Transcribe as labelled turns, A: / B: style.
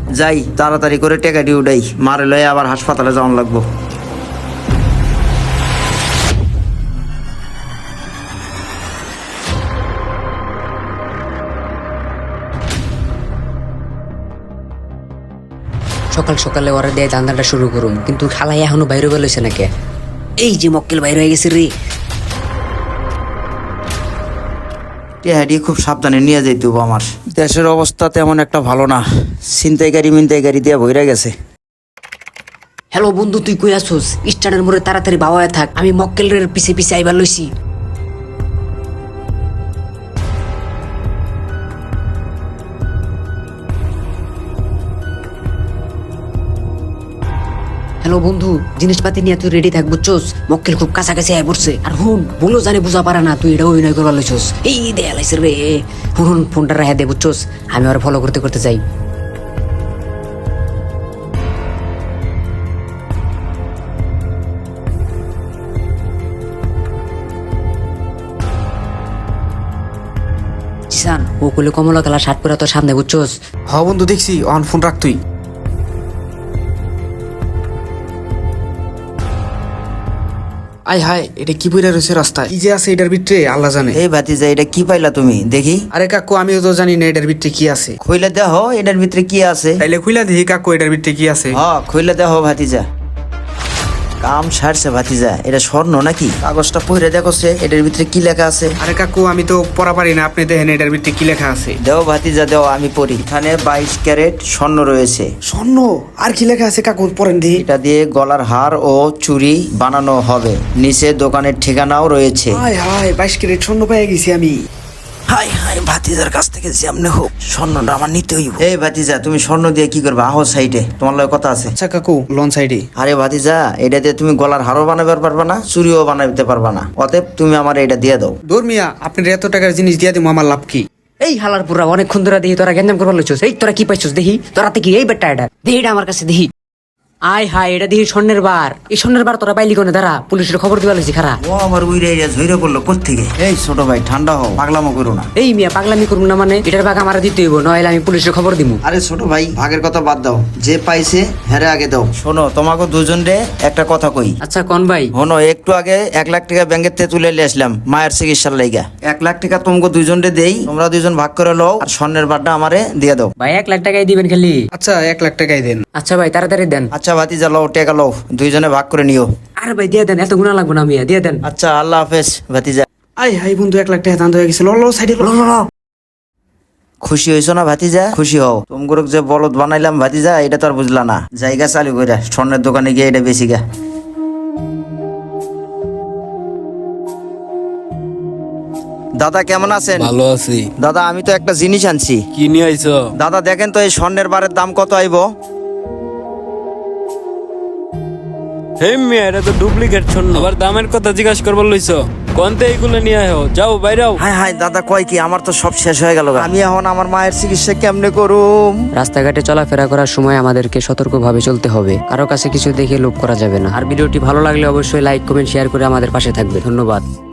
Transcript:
A: যাই তাড়াতাড়ি করে টেকাটি উঠাই, মারে লয়ে আবার হাসপাতালে যাওয়ান লাগবো।
B: সকাল সকালে ওরা দিয়ে ধান্দাটা শুরু করুম, কিন্তু খালাই এখনো বাইরে বেরোইছে নাকি? এই যে মক্কেল বাইরে হয়ে গেছে রে।
A: টেহাটি খুব সাবধানে নিয়ে যাইতে হবো। আমার দেশের অবস্থা তেমন একটা ভালো না, ছিনতাইকারী মিনতাইকারী দিয়ে ভইরা গেছে।
B: হ্যালো বন্ধু, তুই কই আসোস? স্ট্যান্ডের মোড়ে তাড়াতাড়ি বাওয়ায় থাক, আমি মক্কেলের পিছে পিছে আইবার লইছি। হ্যালো বন্ধু, জিনিসপাতি নিয়ে তুই রেডি থাক বুঝছোস? মক্কেল খুব কাছাকাছি আয় পড়ছে। আর হুন, বলো জানে বুঝা পারে না, তুই এটা অভিনয় করবার লইছস। এই দেয়া লাইছে রে। হুন ফোনটা রাখা দে বুঝছোস, আমি আর ফলো করতে করতে যাই। জিসান, ও কইলে কমলা কালার শার্ট পরে তোর সামনে বুঝছোস?
C: হ বন্ধু দেখছি, অন ফোন রাখ তুই। আই হাই, এটা কি বইরা রয়েছে রাস্তায়? কি যে আছে এটার ভিতরে আল্লাহ জানে।
A: এই ভাতিজা, এটা কি পাইলা তুমি? দেখি।
C: আরে কাকু, আমিও তো জানি না এটার ভিতরে কি আছে।
A: খুইলা দেহ এটার ভিতরে কি আছে।
C: তাইলে খুইলা দেখি কাকু এটার ভিতরে কি আছে।
A: খুইলা দেহ ভাতিজা। কাম সারছে ভাতিজা, এটা স্বর্ণ নাকি? কাগজটা পড়ে দেখছে এটার ভিতরে কি লেখা আছে।
C: আরে কাকু, আমি তো পড়া পারি না, আপনি দেখেন এটার ভিতরে কি লেখা আছে।
A: দেও ভাতিজা দেও, আমি পড়ি। এখানে 22 ক্যারেট স্বর্ণ রয়েছে।
C: স্বর্ণ? আর কি লেখা আছে কাকু, পড়েন দেখি।
A: এটা দিয়ে গলার হার ও চুড়ি বানানো হবে। নিচে দোকানের ঠিকানাও রয়েছে।
C: হাই হাই, 22 ক্যারেট স্বর্ণ পেয়ে গেছি আমি।
A: হাই হাই, ভাতিজার কাছ থেকে যেমনে হোক স্বর্ণটা আমার নিতে হইব। এই ভাতিজা, তুমি স্বর্ণ দিয়ে কি করবে? আহো সাইডে, তোমার লগে কথা আছে।
C: আচ্ছা কাকু, লন সাইডে।
A: আরে ভাতিজা, এটা দিয়ে তুমি গলার হারও বানাতে পারবা না, চুড়িও বানাইতে পারবা না। অতএব তুমি আমার এটা দিয়ে দাও।
C: দূর মিয়া, আপনার এত টাকার জিনিস দিয়ে দিব, আমার লাভ কি?
B: এই হালার পুরা অনেকক্ষণ ধরে দেখি তোরা গেঞ্জাম করবার লইছস। এই তোরা কি পাইছস দেখি? তোরাতে কি এই বেটা? এটা দেখি, এটা আমার কাছে দেখি। আয় হায়, এটা দেখি স্বর্ণের বার। এই স্বর্ণের বার তোরা পাইলি কোনে? দাঁড়া, পুলিশের খবর দিবা লইছি। খারা
A: ও আমার উইরে এরিয়া ঝইরে পড়লো কোত্থেকে? এই ছোট ভাই, ঠান্ডা হও, পাগলামো করো না।
B: এই মিয়া, পাগলামি করবো না মানে? এটার ভাগ আমার দিতে হইব, নইলে আমি পুলিশের খবর দিমু।
A: আরে ছোট ভাই, ভাগের কথা বাদ দাও, যে পাইছে হ্যারে আগে দাও। শোনো, তোমাকে দুজনরে একটা কথা কই।
B: আচ্ছা কোন ভাই?
A: শোনো, একটু আগে 1 লাখ টাকা ব্যাংকের থেকে তুলে নিয়ে আসলাম মায়ের চিকিৎসার লাইগা। 1 লাখ টাকা তোমাকে দুজনরে দেই, তোমরা দুজন ভাগ করে লও, আর স্বর্ণের বারটা আমারে দিয়ে দাও।
B: ভাই 1 লাখ টাকাই দিবেন খালি?
C: আচ্ছা 1 লাখ টাকাই দেন।
B: আচ্ছা ভাই, তাড়াতাড়ি দেন।
A: আচ্ছা ভাতিজা, লও টাকা লও, দুইজনে ভাগ করে নিও।
B: আরে ভাই দিয়ে দেন, এত গুণা লাগবো না মিয়া, দিয়ে দেন।
A: আচ্ছা, আল্লাহ হাফেজ ভাতিজা।
C: আই হাই বন্ধু, 1 লাখ টাকা দান হয়ে গেছে। লো সাইডে লো।
A: খুশি হয়েছো না ভাতিজা? খুশি হও। তোমাকে যে বলদ বানাইলাম ভাতিজা, এটা তো আর বুঝলা না। জায়গা চালু কইরা স্বর্ণের দোকানে গিয়ে এটা বেশি গা। দাদা কেমন আছেন?
D: ভালো আছি।
A: দাদা, আমি তো একটা জিনিস আনছি।
D: কি নিয়ে আইছো?
A: দাদা দেখেন তো, এই স্বর্ণের বারের দাম কত আইব?
D: হে মিয়া, এটা তো ডুপ্লিকেট স্বর্ণ। আবার দামের কথা জিজ্ঞাসা করবার লইছো? কোনতে এইগুলো নিয়ে আয়ো, যাও বাইরাও।
A: হাই হাই দাদা, কয় কি? আমার তো সব শেষ হয়ে গেল। আমি এখন আমার মায়ের চিকিৎসা কেমনে করুম?
B: রাস্তাঘাটে চলাফেরা করার সময় আমাদেরকে সতর্কভাবে চলতে হবে। কারো কাছে কিছু দেখে লোভ করা যাবে না। আর ভিডিওটি ভালো লাগলে অবশ্যই লাইক, কমেন্ট, শেয়ার করে আমাদের পাশে থাকবে। ধন্যবাদ।